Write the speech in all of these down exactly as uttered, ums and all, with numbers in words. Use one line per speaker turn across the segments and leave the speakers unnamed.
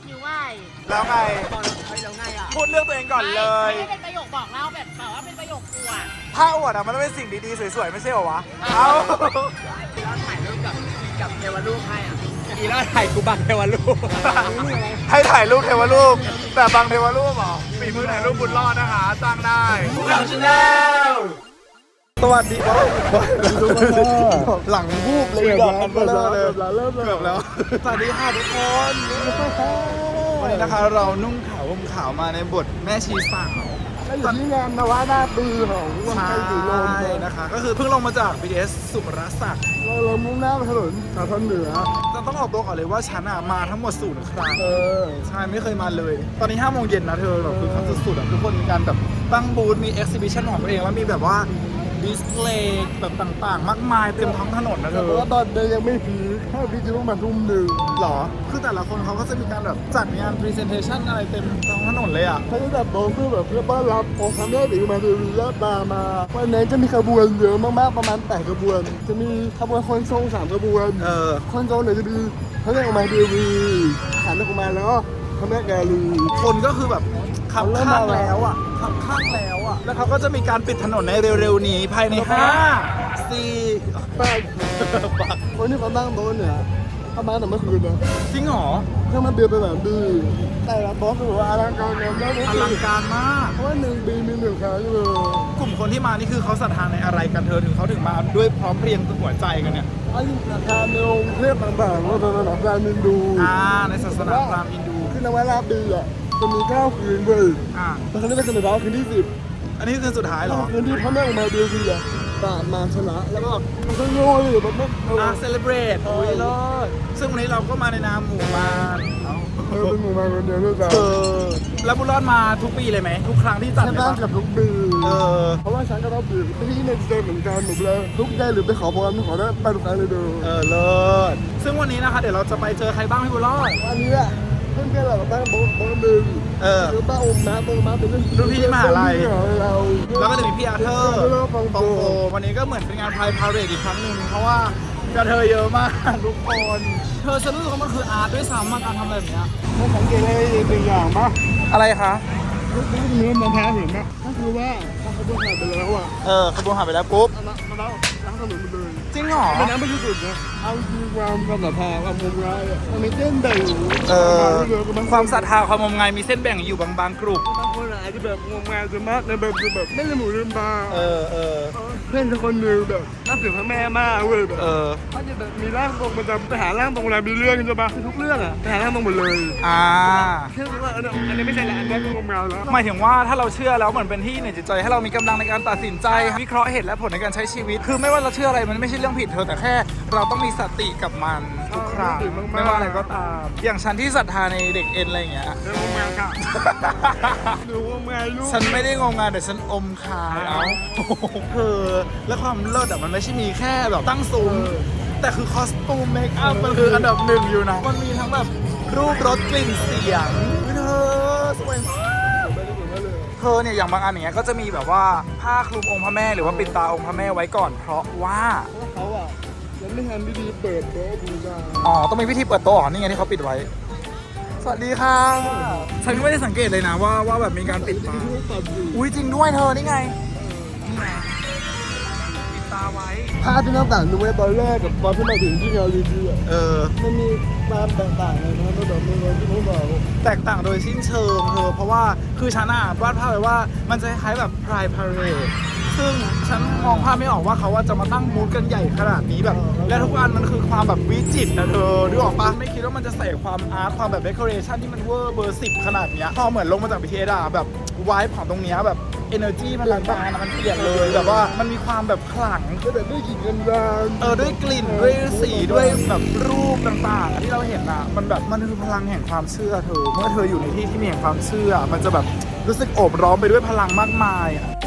คิวไหว
แล้วไง
แล้วไงอ่ะ
พูดเรื่องตัวเองก่อนเลย
ไม่ได้เป็นประโยคบอกเล่าแบบแบบว่าเป็นประโยคอวด
ถ้าอวดอะมันต้องเป็นสิ่งดีๆสวยๆไม่ใช่เหรอวะเอา
อีรอนถ่ายรูปกับกับเทวรูปให้อ่ะอีรอนถ่ายกูบังเทวรูป
ให้ถ่ายรูปเทวรูปแต่บางเทวรูปเหรอฝีมือถ่ายรูปบุญรอดนะคะจ้างได้หลังชาแนลสวัสดีครับหลังบูบเลยดอกกันเบลอเลยเริ่มเกือบแล้วสวัสดีค่ะทุกคนวันนี้นะคะเรานุ่งขาวห่มขาวมาในบทแม่ชีสาว
อยู่ที่งานนวานาปีของวันไทยสีลม
นะคะก็คือเพิ่งลงมาจาก บี ที เอส สุรศักดิ์
เราเรามุ่งหน้าไปถนนสาทรเหนือ
จะต้องออกตัวก่อนเลยว่าฉันอะมาทั้งหมดศูนย์ครั้ง
เออ
ใช่ไม่เคยมาเลย ตอนนี้ห้าโมงเย็นนะเธอแบบคือขั้นสุดๆอะทุกคนมีการแบบตั้งบูธมีเอ็กซิบิชันของตัวเองแล้วมีแบบว่าดิสเพลย์แบบต่างๆ มากมายเต็มท้องถนนนะเธ
แต่
อ
ว่าตอนเดินยังไม่พีคถ้าพีคจะต้องมาทุ่มหนึ่ง
หรอคือแต่ละคนเขาก็จะมีการแบบจัดงานพรีเซนเทชันอะไรเต็มท้องถนนเลยอะ
เขาจะแบบบอกเพื่อแบบเพื่อต้อนรับองค์พระแม่ศรีอุมาเทวีและตามาวันนี้จะมีขบวนเยอะมากๆประมาณแปดขบวน จะมีขบวนคนทรงสามขบวน
เออ
คนทรงเนี่ยจะมีพระแม่อุมาเทวีขันออกมาแล้วก็พระแม่กาลี
คนก็คือแบบขับข้างแล้วอ่ะขับข้างแล้วอ่ะแล้วเขาก็จะมีการปิดถนนในเร็วๆนี้ภายในห้าสี่
แปดวันนี้เขาตั้งโต๊ะเนี่ยเขามาแต่เมื่อคืนนะ
จริงเหรอ
เครื่องมันเบียร์เป็นแบบดีแต่ละบล็อกคือว่าอลังการงานได้
อลังการมาก
เพราะว่าหนึ่งปีมีหนึ่งครั้งเลย
กลุ่มคนที่มานี่คือเขาศรัทธาในอะไรกันเธอถึงเขาถึงมาด้วยพร้อมเพรียงหัวใจกันเนี่ย
ไอ้ราคาในองค์เทพต่างๆว่าเป็นระดับการมินดู
อ่าในศาสนาพราหมณ์ฮินดู
คือนวราปีอ่ะจะมีเก้าคืนเว้ย
อ่า
แต่ครั้งนี้เป็นคืนเช้าคืนที่สิบ
อันนี้คือสุดท้ายเหรอ
คืนที่พระแม่อุมาเดียวคืออ่ะตามมาชนะแล้วก็มันก็โง่เลยแบบไม่
อ่าเซเลบรตโอ้ยเลิศซึ่งวันนี้เราก็มาในนามหมู่มารเอ้า
เออเป็นหมู่มาคนเดียวด้วยกัน
เออแล้วบุญรอดมาทุกปีเลยไหมทุกครั้งที่จัด
ใช่
เลย
บ้าน
ปะ
กับทุกปี
เออ
เพราะว่าฉันก็ต้องดื่มที่ในเจเหมือนกันหนูเลยทุกได้หรือไปขอพรขอได้ไปทุกครั้งเลยเด้อ
เออเลิศซึ่งวันนี้นะคะเดี๋ยวเราจะไปเจอใครบ้างพี่บุญรอด
วันนี้อะเพื่อนๆเราตั้งโบ๊ะโบ๊ะหนึ่ง
เออ
คือป้าอมนะป้าอมนะเป็น
รุ่นพี่ที่มหาลัย
เรา
แล้วก็จะมีพี่อาเธอร์
แล้วก็ฟัง
ฟอง
โฟ
โฟวันนี้ก็เหมือนเป็นงานพายพาเรดอีกครั้งหนึ่งเพราะว่ากระเทยเยอะมากทุกคน เธอฉันรู้สึกว่ามันคืออาร์ตด้วยซ้ำมาการทำอะไรแบบเนี้ย
ไม่สังเกตอะไรหนึ่งอย่างปะ
อะไรคะ
ทุกทีเนื้อมันแพ้เห็นปะก็คือว่าพอเขาเบื่อหายไปแล้วอะ
เออขบวนหายไปแล้วปุ๊บ
เอาละมาแล้วล้างถนนมาเลย
จริงเหรอ
ไม่น้ำไม่ยุตินะเอาจริงความความศรัทธาความงมงายอะมันมีเส้นแบ่ง
เออความศรัทธาความงมงายมีเส้นแบ่งอยู่บางบางกลุ่ม
บางคนอาจจะแบบงมงายจะมากในแบบคือแบบไม่ได้หมูลืมตา
เออเออ
เพื่อนคนหนึ่งแบบนับถือพระแม่มากเว้ยแบบ
เออ
เขาจะแบบมีร่างทรงประจำไปหาร่างทรงเวลามีเรื่องใช่ปะทุกเรื่องอะไปหาร่างทรงหมดเลย
อ่า
แค่ว่าอันนี้อันนี้ไม่ใช่ละอันนี้ก็งมงายแล้ว
หมายถึงว่าถ้าเราเชื่อแล้วเหมือนเป็นที่ในจิตใจให้เรามีกำลังในการตัดสินใจวิเคราะห์เหตุและผลในการใช้ชีวิต คือไม่ว่าเราเชื่ออะไรมันไม่ใช่เรื่องผิดเธอแต่แค่เราต้องมีสติกับมันทุกครั้งไม่ว่าอะไรก็ตาม อย่างฉันที่ศรัทธาในเด็กเอ็นอะไรอย่างเงี้ย
เรื่องงมงายค่ะดูงมงายลูก
ฉันไม่ได้งงงานแต่ฉันอมคายเอาเธอและความเลิศอ่ะมันไม่ใช่มีแค่แบบตั้งซุ้มแต่คือคอสตูมเมคอัพมันคืออันดับหนึ่งอยู่นะมันมีทั้งแบบรูปรสกลิ่นเสียงเธอสวยมากเธอเนี่ยอย่างบางอันอย่างเงี้ยก็จะมีแบบว่าผ้าคลุมองค์พระแม่หรือว่าปิดตาองค์พระแม่ไว้ก่อนเพราะว่า
เพราะเขาอ่ะยังไม่ทันพิธีเปิดโต๊ะบูชา
อ๋อต้องมีพิธีเปิดโต๊ะเหรอนี่ไงที่เขาปิดไว้สวัสดีค่ะฉันไม่ได้สังเกตเลยนะว่าว่าแบบมีการปิดตา
ที่เขาตัดอยู่
อุ้ยจริงด้วยเธอนี่ไงนี่ไงปิดตาไว้
ภาพที่น้ำต่างดูไว้ตอนแรกกับตอนที่มาถึงที่งานรีวิวอ่ะ
เออ
มันมีความแตกต่างเลยนะระดับหนึ่งที่ผมบอก
แตกต่างโดยสิ้นเชิงเธอเพราะว่าคือฉันอ่ะวาดภาพไว้ว่ามันจะคล้ายๆแบบพรายพาเรดซึ่งฉันมองภาพไม่ออกว่าเขาว่าจะมาตั้งมูดกันใหญ่ขนาดนี้แบบ และทุกอันมันคือความแบบวิจิตรนะเธอนึกออกปะไม่คิดว่ามันจะใส่ความอาร์ตความแบบเดคอเรชันที่มันเวอร์เบอร์สิบขนาดเนี้ยพอเหมือนลงมาจากบีทีเอสอะแบบวายของตรงเนี้ยแบบ energy มันลังการมันเปลี่ยนเลยแบบว่ามันมีความแบบขลัง
ก็แบบด้วยกลิ่นกันดาน
เออด้วยกลิ่นด้วยสีด้วยแบบรูปต่างๆ ที่เราเห็นอ่ะมันแบบมันคือพลังแห่งความเชื่อเธอเมื่อเธออยู่ในที่ที่มีแห่งความเชื่อ มันจะแบบรู้สึกโอบร้อมไปด้วยพลังมากมายอ่ะ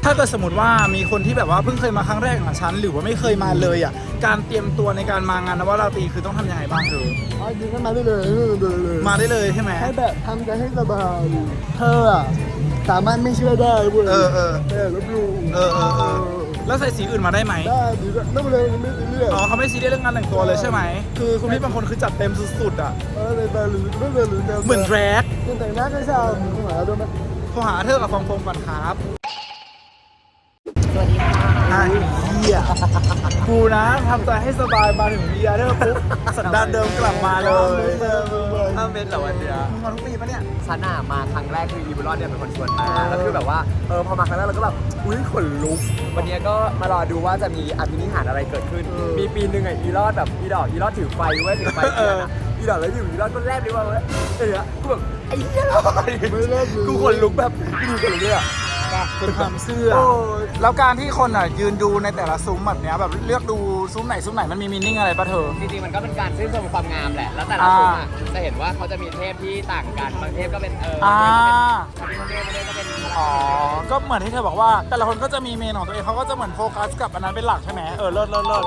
ถ้าเกิดสมมติว่ามีคนที่แบบว่าเพิ่งเคยมาครั้งแรกของฉันหรือว่าไม่เคยมาเลยอ่ะการเตรียมตัวในการมางานนวราตรีคือต้องทำยังไงบ้างเธอ
อ๋อจริงก็มาได้เลยเลยเลย
มาได้เลยใช่ไหม
ให้แบบทำใจให้สบายเธออะสามารถไม่เชื่อได้เว้ย
เออเออ
แต่ลบหลู่
เออเออเออแล้วใส่สีอื่นมาได้ไหม
ได้ดีก็ไม่เป็นไรไม่เป็นเรื่อง
อ๋อเขาไม่ซีเรียสเรื่องงานแต่งตัวเลยใช่ไหมคือคุณพี่บางคนคือจัดเต็มสุดๆอ่ะ
เออเลยแต่หรือไม่เป็นหรือ
เหมือนแดรก
ยังแต่งหน้าก็ชอบหาดูไหม
โทรหาเธอกับฟองโฟมก่อนครับ
สวัสดีค่ะ
ไอ้เหี้ยกูนะทำใจให้สบายมาถึงเบียร์เธอปุ๊บสันดานเดิมกลับมาเลย
ห้าเมตรเหรอวันเนี้ย
มึงมาทุกปีปะเนี่ย
ฉันอะมาครั้งแรกคืออีบุลอนเนี่ยเป็นคนชวนมาแล้วคือแบบว่าเออพอมาครั้งแรกเราก็แบบอุ้ยขนลุกวันนี้ก็มารอดูว่าจะมีอภินิหารอะไรเกิดขึ้น มีปีหนึ่งอะอีรอดแบบอีดอกอีรอดถือไฟเว้ยถือไฟเทียนอะอีดอกแล้วอยู่อีรอดก็แลบเลยว่าเว้ยเออกูแบบไอ้เหี้ยรอด
ไม่เล่นเลย
กูขนลุกแบบกูขนลุกเลยอะ
เป็นความเชื่อ
โอ้ย
แล้วการที่คนอ่ะยืนดูในแต่ละซุ้มแบบเนี้ยแบบเลือกดูซุ้มไหนซุ้มไหนมันมีมีนิ่งอะไรปะเธอ
จริงๆมันก็เป็นการชื่นชมความงามแหละแล้วแต่ละซุ้มอะจะเห็นว่าเขาจะมีเทพที่ต่างกันบางเทพก็เป็นเออ
อ่า
บางเทพก็เป็นบางเทพก็เป็น
อ๋อ ก็เหมือนที่เธอบอกว่า แต่ละคนก็จะมีเมนของตัวเองเขาก็จะเหมือนโฟกัสกับอันนั้นเป็นหลักใช่ไหมเออเลิศเลิศเลิศ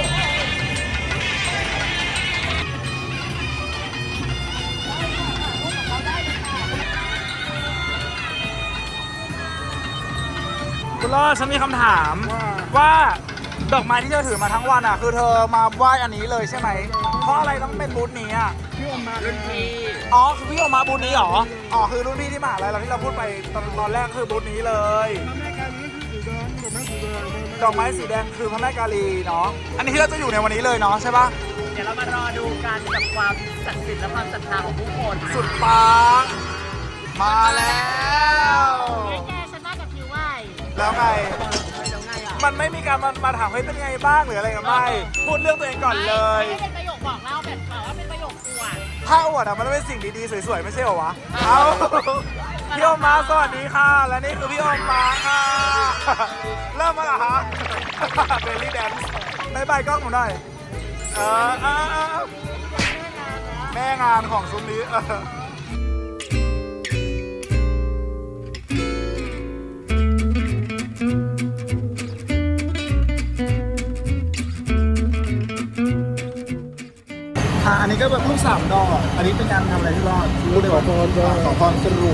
คุณรอดฉันมีคำถามว่าดอกไม้ที่เธอถือมาทั้งวันอ่ะคือเธอมาไหว้อันนี้เลยใช่ไหมเพราะอะไรต้องเป็นบูธนี้อ่ะ
พี่ออกมา
รุ่นพี่
อ๋อคือพี่ออกมาบูธนี้เหรออ๋อคือรุ่นพี่ที่มหาลัยเราที่เราพูดไปตอนตอนแรกคือบูธนี้เลย
แม่การนี่คือสีแดงดอกไม้สีแดง
ดอกไม้สีแดงคือพระแม่กาลีเนาะอันนี้ที่เราจะอยู่ในวันนี้เลยเนาะใช่ปะ
เดี๋ยวเรามารอดูกันกับความศักดิ์สิทธิ์และความศรัทธาของผู้คน
สุดปังมาแล้ว
แกฉันมากับคิวไหว
แล้วไง
แล้วไงอ่ะ
มันไม่มีการมามาถามเฮ้ยเป็นไงบ้างหรืออะไรกันไม่พูดเรื่องตัวเองก่อนเลย
ไม่เป็นประโยคบอกเล่าแบบแบบว่าเป็นประโยคอวด
ถ้าอวดอะมันต้องเป็นสิ่งดีๆสวยๆไม่ใช่เหรอวะเอาพี่โอมมาสวัสดีค่ะ และนี่คือพี่โอมมาค่ะ เริ่มมาเหรอฮะ เบลลี่แดนซ์บายบายกล้องผมหน่อยเออเออเออแม่งานของซุ้มนี้เอออ่ะอันนี้ก็แบบลูกสามดอก อันนี้เป็นการทำอะไรที่รอดรู้เลยว่าขอพรสรุป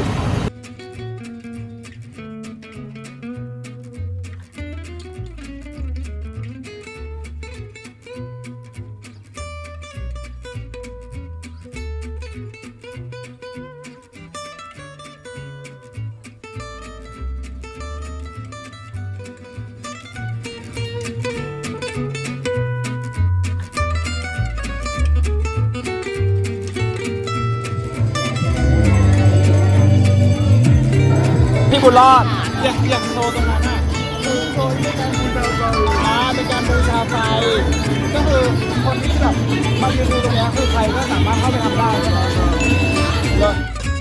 พี่บุญรอดอยากอยากโชว์ตรงนั้นอ่ะคือโชว์ในการบูชาไฟอ่าเป็นการบูชาไฟก็คือคนที่แบบมายืนดูตรงนี้คือใครก็สามารถเข้าไปทำได้ใช่ไหมเลิศ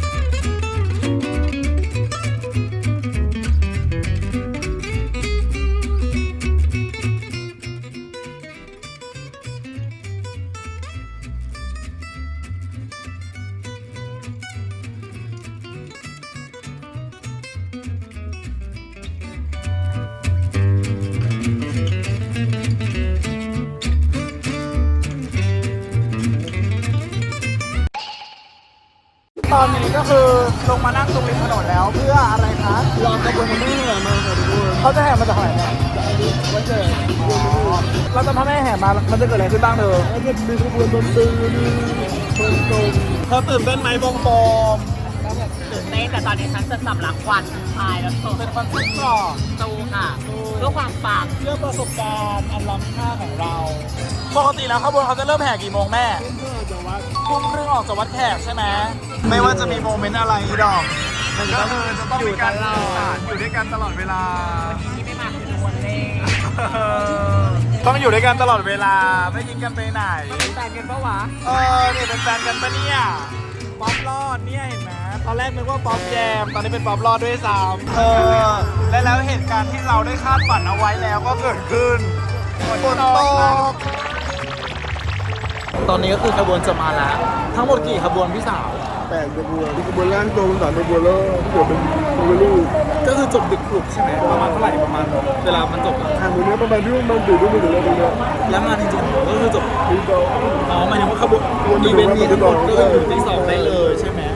ตอนนี้ก็คือลงมานั่งตรงริมถนนแล้วเพื่ออะไรคะ
รอกระบวนการแม่มาค่ะทุกคน
เขาจะแห่มาจากไหนเนี่ย
วันเกิด
เราจะพาแม่แห่มามันจะเกิดอะไรขึ้นบ้างเธอ
แล้วจะมีขบวนดนตรีมีคนตรง
เธอตื่นเต้นไหมบงบอม
ตื่นเต้นแต่ตอนนี้ฉันจะสำลักควันพายแล้วโต
เป็นคอนเซ็ปต์ก่อน
ตูค่ะเพื่อความปัง
เรื่องประสบการณ์อันล้ำค่าของเรา ปกติแล้วขบวนเขาจะเริ่มแห่กี่โมงแม่
เพื่อจะวัด
ทุ่มครึ่งออกจากวัดแขกใช่ไหมไม่ว่าจะมีโมเมนต์อะไรอีดอกมันก็คือจะต้องมีการสื่อสารอยู่ด้วยกันตลอดเวลา
ที่ไม่มาคือวันเล่
ต้องอยู่ด้วยกันตลอดเวลาไม่ทิ้งกันไปไหน
เป็นแฟนกันปะวะ
เออเนี่ยเป็นแฟนกันปะเนี่ยป๊อปรอดเนี่ยเห็นไหมตอนแรกนึกว่าป๊อปแยมตอนนี้เป็นป๊อปรอดด้วยซ้ำเออและแล้วเหตุการณ์ที่เราได้คาดฝันเอาไว้แล้วก็เกิดขึ้นฝนตกตอนนี้ก็คือขบวนจะมาแล้ว ทั้งหมดกี่ขบวนพี่สาว
แปดขบวนมีขบวนร่างทรงสามขบวนแล้วที่เหลือเป็นโมเดลลูก
ก็คือจบดึกกลุ่มใช่ไหมประมาณเท่าไหร่ประมาณเวลามันจบอะ
ทางตรงนี้ประมาณที่มันตื่นรุ่งถึงแล้วตรงนี้
แล้วงานจริงๆก็คือจบ
มีต่อ
อ๋อหมายถึงว่าขบวนอีเวนต์นี้ทั้งหมดก็คือถึงตีสองได้เลยใช่ไหม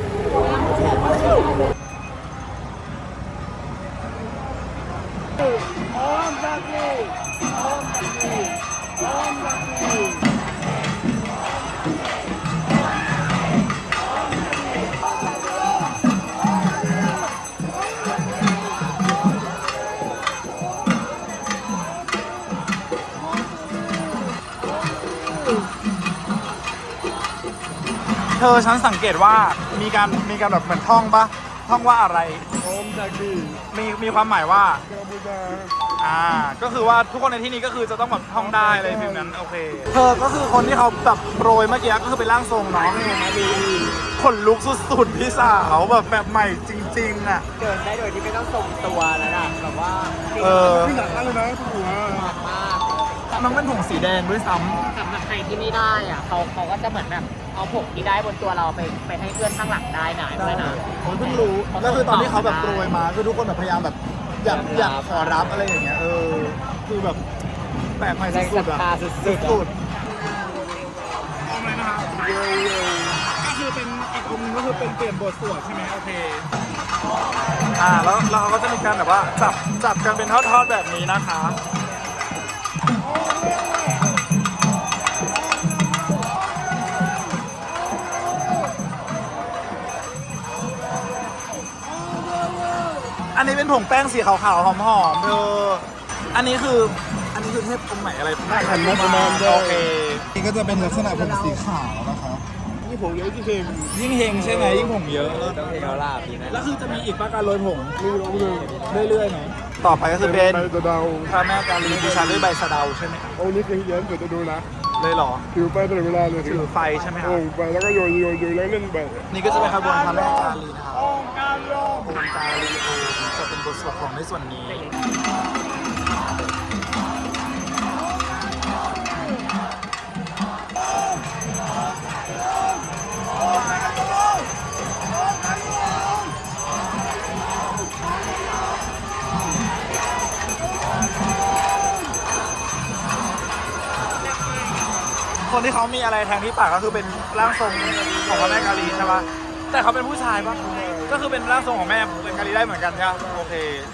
เธอฉันสังเกตว่ามีการมีการแบบเหมือนท่องปะท่องว่าอะไร
พร้อมจากดี
มีมีความหมายว่า
กัมพูชา
อ่าก็คือว่าทุกคนในที่นี้ก็คือจะต้องแบบท่องได้อะไรแบบนั้นโอเคเธอก็คือคนที่เขาแบบโปรยเมื่อกี้ก็คือเป็นร่างทรงเนาะขนลุกสุดๆพี่สาวแบบแบบใหม่จริงๆอ่ะ
เดินได้โดยที่ไม่ต้องทรงตัวแล้วนะแบบว่า
เออ
ที่หนักเลยนะหัว
มาก
มันเป็นถุงสีแดงด้วยซ้ำ
สำหรับใครที่ไม่ได้อ่ะเขาเขาก็จะเหมือนแบบเอาผงที่ได้บนตัวเราไปไปให้เพื่อนข้างหลังได้นะด้วยนะ
ผมเพิ่งรู้แล้วคือตอนที่เขาแบบโปรยมาคือทุกคนแบบพยายามแบบอยากอยากขอรับอะไรอย่างเงี้ยเออคือแบบแปลกใหม่
แรง
สุ
ศรั
ด
ท
ๆอะ
ธาสุดๆ
สุด
อะ
ๆเอาเลยนะครับก็คือเป็นอีกองค์นึงก็คือเป็นเปลี่ยนบทสวดใช่ไหมโอเคอ่าแล้วแล้วเขาก็จะมีการแบบว่าจับจับกันเป็นทอดๆแบบนี้นะคะอันนี้เป็นผงแป้งสีขาวๆหอมๆเธออันนี้คืออันนี้คือเทพองค์ไหนอะไร
หันมาประมาณ
โอเคนี่ก็จะเป็นลักษณะผงสีขาวนะคะ
นี่ผมเลยที่เค็ม
ยิ่งเฮงใช่ไหมยิ่งผงเยอะ
ต้องเทเอาลาบพี่นะ
แล้วคือจะมีอีกป้าการโรยผง
นี่ร้องเลย
เรื่อยๆเนาะต่อไปก็คือเป็น
ใบตะเดา
พระแม่กาลีบูชาด้วยใบสะเดาใช่ไหม
องค์นี้เคยเรียนเดี๋ยวจะดูนะ
เลยเหรอ
ถือไปตลอดเวลาเลย
ถือไฟใช่ไหมครับ
โอ่งไปแล้วก็โยนโยนโยนแล้วเล่นไป
นี่ก็จะเป็นขบวนพระแม่กาลีนะครับองค์กาลีองค์กาลีเองจะเป็นบทสวดของในส่วนนี้คนที่เขามีอะไรแทงที่ปากก็คือเป็นร่างทรงของพระแม่กาลีใช่ปะแต่เขาเป็นผู้ชายปะก็คือเป็นร่างทรงของแม่เป็นกาลีได้เหมือนกันใช่ปะโอเค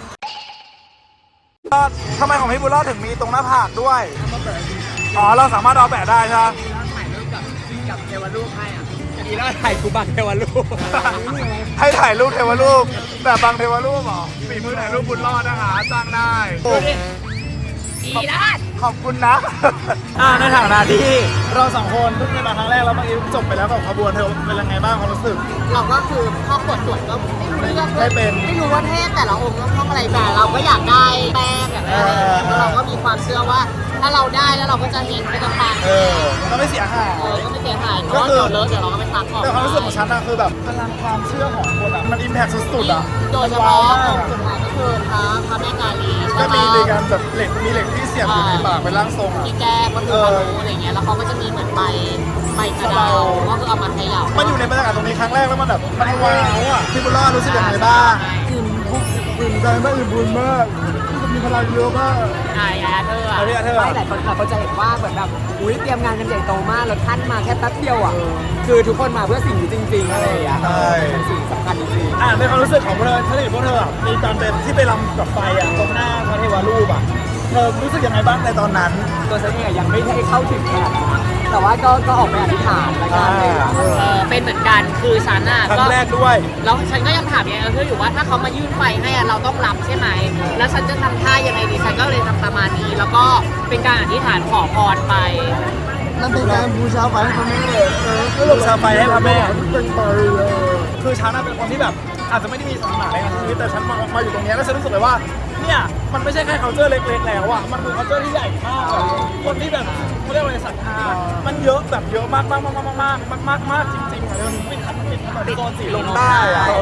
ก็ทำไมของพี่บุญรอดถึงมีตรงหน้าผากด้วยอ๋อเราสามารถเอาแปะได้ใช่ปะ
ถ่ายรูปกับกับเทวรูปให้อ่ะอีแล้วถ่ายกูบังเทวรูป
ให้ถ่ายรูปเทวรูปแบบบางเทวรูปเหรอฝีมือถ่ายรูปบุญรอดนะคะจ้างได้
อีลาด
ขอบคุณนะ อ่าในฐานะที่เราสองคนเพิ่งได้มาครั้งแรกแล้วเมื่อกี้จบไปแล้วกับขบวนเธอเป็นยังไงบ้างความรู้สึก
เราก็คือพอปวดตรวจก็ไม่รู้เรื่อง
ไม่เป็น
ไม่รู้ว่าเทพแต่ละองค์ต้องท่องอะไรแต่เราก็อยากได้แป้งอยากได้อะไรอย่างเงี้ยเพราะเราก็มีความเชื่อว่า ถ้าเราได้แล้วเราก็จะเห็นก็จะฟัง
เออมันก็ไม่เสียหาย
เออก็ไม่เสียหายเพราะว่าเดี๋ยวเลอะเดี๋ยวเราก็ไปซักออก
แต่ความรู้สึกของฉันอะคือแบบพลังความเชื่อของคนอะมันอิมแพคสุดๆอะ
โดยเฉพาะองค์สุดท้ายก็คือพระพระแม่กาลี
ก็
ใช่
มี
ปะ
ในการแบบเหล็กมีเหล็กที่เสียบอยู่ในปากเป็นร่างทรงอะ
ที่แก้ก็คือพารุอะไรเงี้ยแล้วเขาก็จะมีเหมือนใบใบกระเดาก็คือเอามาเขย่า
มันอยู่ในบรรยากาศตรงนี้ครั้งแรกแล้วมันแบบมันว้าวอะพี่บุญรอดรู้สึกยังไงบ้าง
อิ่มทุกอิ่มใจมากอิ่มบุญมากมีพลังเยอะมาก
ใช่แอดเธอ
เอาพี่อาเธอ
ไม่หลายคนค่ะเขาจะเห็นว่าเหมือนแบบอุ้ยเตรียมงานกันใหญ่โตมากแล้วท่านมาแค่แป๊บเดียวอ่ะคือทุกคนมาเพื่อสิ่งนี้จริงๆอะไรอย่างเงี้ย
ใช่
เป็นสิ่งสำคัญจริงๆ
อ่าในความรู้สึกของพวกเธอถ้าเห็นพวกเธออะมีตอนเป็นที่ไปรำกับไฟอะตรงหน้าพระเทวรูปอะเธอรู้สึกยังไงบ้างในตอนนั้น
ตัวฉันเองอะยังไม่ได้เข้าถึงขนาดนั้นแต่ว่าก็ก็ออกไปอธิษฐานแล้วกันเลยอะ
เออเป็นเหมือนกันคือฉันอ่ะ
ครั้
ก็
งแรกด้วย
แล้วฉันก็ยังถามยังไงเธออยู่ว่าถ้าเขามายื่นไฟให้อะเราต้องรับใช่ไหมแล้วฉันจะทำท่ายังไงดีฉันก็เลยทำประมาณนี้แล้วก็เป็นการอธิษฐานขอพรไป
นั่นเป็นการบูชาไฟให้พระแม่เออ
บูชาไฟให้พระแม่
เป็นไปเลย
คือฉันน่ะเป็นคนที่แบบอาจจะไม่ได้มีศาสนาในชีวิตแต่ฉันมามาอยู่ตรงเนี้ยแล้วฉันรู้สึกเลยว่าเนี่ยมันไม่ใช่แค่ culture เล็กๆแล้วอ่ะมันคือ culture ที่ใหญ่มากอะคนที่แบบเขาเรียกว่าอะไรศรัทธามันเยอะแบบเยอะมากมากมากมากมากมากมากมากจริงๆอ่ะเดี๋ยวมันปิดทันปิดทันโซนสีลมได้อ่ะเออ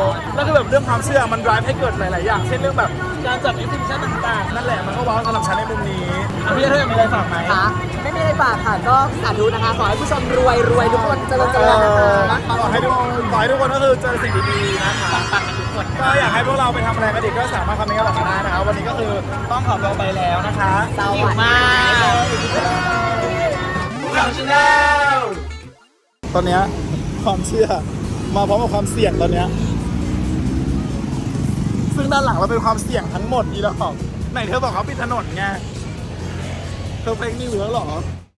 แล้วก็แบบเรื่องความเชื่อมัน drive ให้เกิดหลาย ๆ อย่าง เช่นเรื่องแบบการจัด exhibition ต่าง ๆ นั่นแหละมันก็ว้าวสำหรับฉันในมุมนี้อ่ะพี่เธอมีอะไรฝากไหม
ค่ะไม่มีอะไรฝากค่ะก็สาธุนะคะ ขอให้ผู้ชมรวยรวยทุกคนเจริญเจริญนะคะ
ขอให้ทุกคนขอให้ทุกคนก็คือเจอสิ่งดีๆนะคะ
ปังกันทุกคน
ก็อยากให้พวกเราไปทำอะไรกันอีกก็สามารถคอมเมนต์กันบอกกันได้นะคะวันนี้ก็คือต้องขอตัวไปแล้วนะคะ
หิวมาก
ตอนเนี้ยความเชื่อมาพร้อมกับความเสี่ยงตอนเนี้ยซึ่งด้านหลังเราเป็นความเสี่ยงทั้งหมดอีดอกไหนเธอบอกเขาปิดถนนไงเธอเฟกนิวส์แล้วเหรอ